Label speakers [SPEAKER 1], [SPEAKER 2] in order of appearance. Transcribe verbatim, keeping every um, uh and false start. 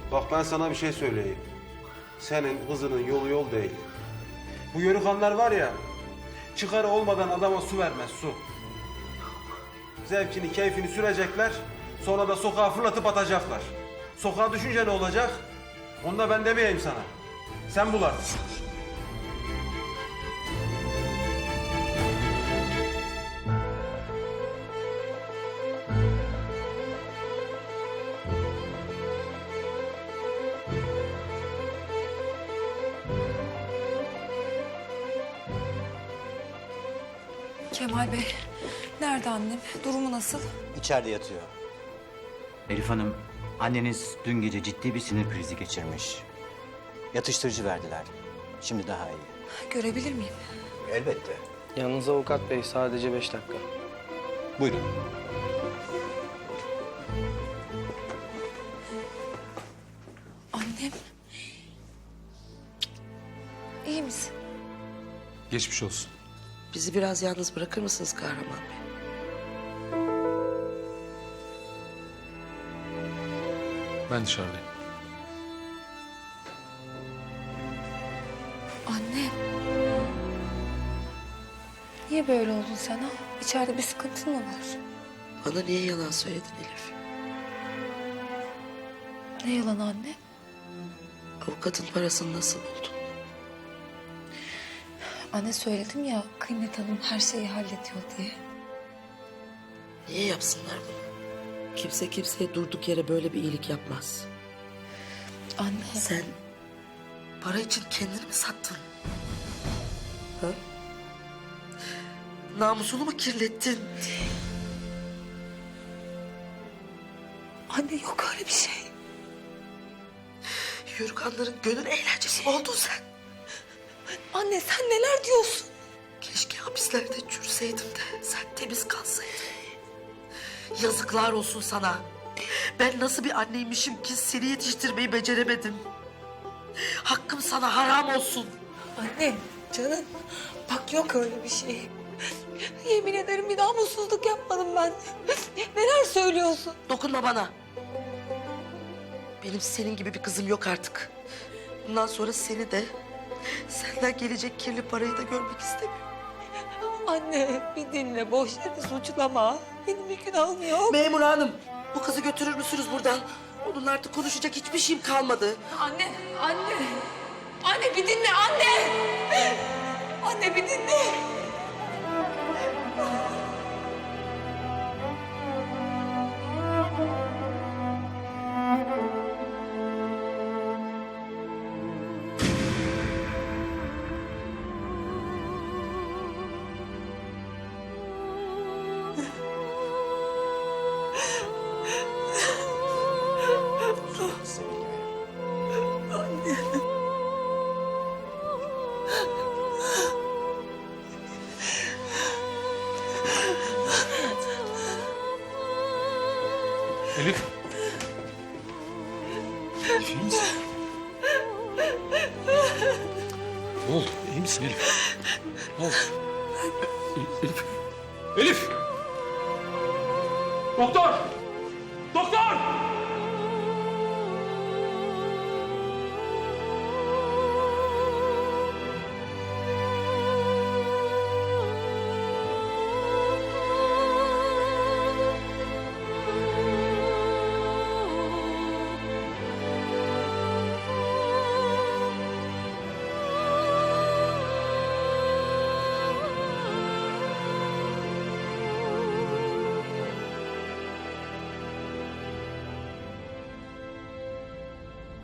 [SPEAKER 1] Bak ben sana bir şey söyleyeyim. Senin kızının yolu yol değil. Bu yörükanlar var ya, çıkarı olmadan adama su vermez, su. Zevkini, keyfini sürecekler, sonra da sokağa fırlatıp atacaklar. Sokağa düşünce ne olacak? Onu da ben demeyeyim sana. Sen bul artık.
[SPEAKER 2] Kemal Bey, nerede annem? Durumu nasıl?
[SPEAKER 3] İçeride yatıyor. Elif Hanım, anneniz dün gece ciddi bir sinir krizi geçirmiş. Yatıştırıcı verdiler. Şimdi daha iyi.
[SPEAKER 2] Görebilir miyim?
[SPEAKER 3] Elbette.
[SPEAKER 4] Yalnız avukat bey sadece beş dakika.
[SPEAKER 3] Buyurun.
[SPEAKER 2] Annem. İyi misin?
[SPEAKER 5] Geçmiş olsun.
[SPEAKER 6] Bizi biraz yalnız bırakır mısınız Kahraman Bey?
[SPEAKER 5] Ben dışarıdayım.
[SPEAKER 2] Annem. Niye böyle oldun sen ha? İçeride bir sıkıntın mı var?
[SPEAKER 6] Bana niye yalan söyledin Elif?
[SPEAKER 2] Ne yalan anne?
[SPEAKER 6] Avukatın parasını nasıl buldun?
[SPEAKER 2] Anne söyledim ya Kıymet Hanım her şeyi hallediyor diye.
[SPEAKER 6] Niye yapsınlar bunu? Kimse kimseye durduk yere böyle bir iyilik yapmaz.
[SPEAKER 2] Anne.
[SPEAKER 6] Sen para için kendini mi sattın? Ha? Namusunu mu kirlettin?
[SPEAKER 2] Anne yok öyle bir şey.
[SPEAKER 6] Yürükanların gönül eğlencesi mi oldun sen?
[SPEAKER 2] Anne sen neler diyorsun?
[SPEAKER 6] Keşke hapislerde çürseydim de sen temiz kalsaydın. Yazıklar olsun sana. Ben nasıl bir anneymişim ki seni yetiştirmeyi beceremedim. Hakkım sana haram olsun.
[SPEAKER 2] Anne canım bak yok öyle bir şey. Yemin ederim bir namussuzluk yapmadım ben. Neler söylüyorsun?
[SPEAKER 6] Dokunma bana. Benim senin gibi bir kızım yok artık. Bundan sonra seni de, senden gelecek kirli parayı da görmek istemiyorum.
[SPEAKER 2] Anne bir dinle boş yere suçlama. Benim bir günahım yok.
[SPEAKER 6] Memur hanım, bu kızı götürür müsünüz buradan? Onunla artık konuşacak hiçbir şeyim kalmadı.
[SPEAKER 2] Anne, anne. Anne bir dinle anne. Anne bir dinle.
[SPEAKER 5] Elif. Elif iyi misin? Ne oldu? İyi misin Elif? Ne oldu? El- Elif. Elif! Doktor! Doktor!